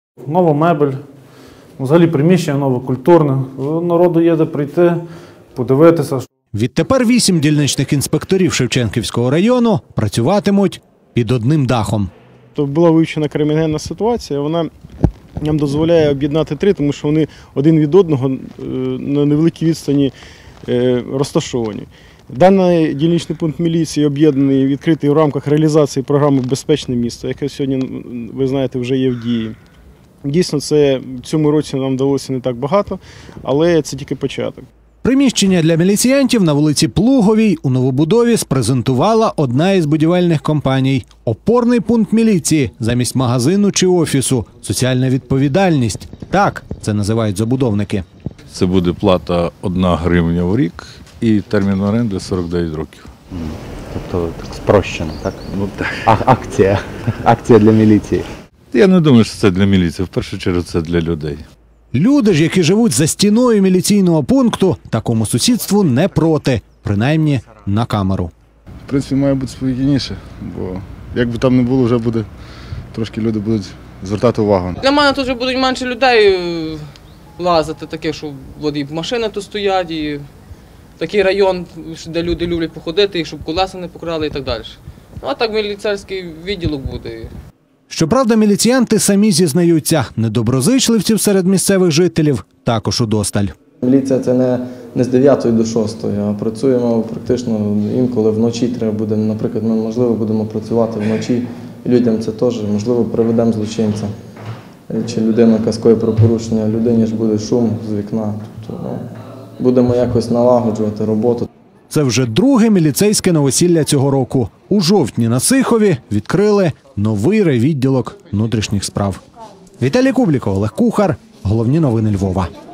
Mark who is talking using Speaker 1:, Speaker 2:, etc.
Speaker 1: Нова мебель, взагалі приміщення нове, культурне. Народу є де прийти, подивитися.
Speaker 2: Відтепер 8 дільничних інспекторів Шевченківського району працюватимуть під одним дахом.
Speaker 3: Була вивчена кримінальна ситуація, вона нам дозволяє об'єднати три, тому що вони один від одного на невеликій відстані розташовані. Даний дільничний пункт міліції об'єднаний, відкритий в рамках реалізації програми «Безпечне місто», яке сьогодні, ви знаєте, вже є в дії. Дійсно, в цьому році нам вдалося не так багато, але це тільки початок.
Speaker 2: Приміщення для міліціянтів на вулиці Плуговій у новобудові спрезентувала одна із будівельних компаній. Опорний пункт міліції замість магазину чи офісу. Соціальна відповідальність. Так це називають забудовники.
Speaker 4: Це буде плата 1 гривня в рік і термін оренди 49 років.
Speaker 5: Тобто так спрощено, так? Ну, акція для міліції.
Speaker 4: Я не думаю, що це для міліції. В першу чергу це для людей.
Speaker 2: Люди ж, які живуть за стіною міліційного пункту, такому сусідству не проти. Принаймні на камеру.
Speaker 6: В принципі, має бути спокійніше, бо як би там не було, вже буде, трошки люди будуть звертати увагу.
Speaker 7: Для мене тут вже будуть менше людей лазити, таке, що і машини тут стоять, і такий район, де люди люблять походити, і щоб колеса не покрали і так далі. Ну, а так міліцейський відділок буде.
Speaker 2: Щоправда, міліціянти самі зізнаються, недоброзичливців серед місцевих жителів також удосталь.
Speaker 8: Міліція – це не з 9 до 6, а працюємо практично інколи вночі треба буде. Наприклад, ми, можливо, будемо працювати вночі, і людям це теж, можливо, приведемо злочинця. Чи людина каскує про порушення, людині ж буде шум з вікна. Тобто, будемо якось налагоджувати роботу.
Speaker 2: Це вже друге міліцейське новосілля цього року. У жовтні на Сихові відкрили новий райвідділок внутрішніх справ. Віталій Кубліков, Олег Кухар. Головні новини Львова.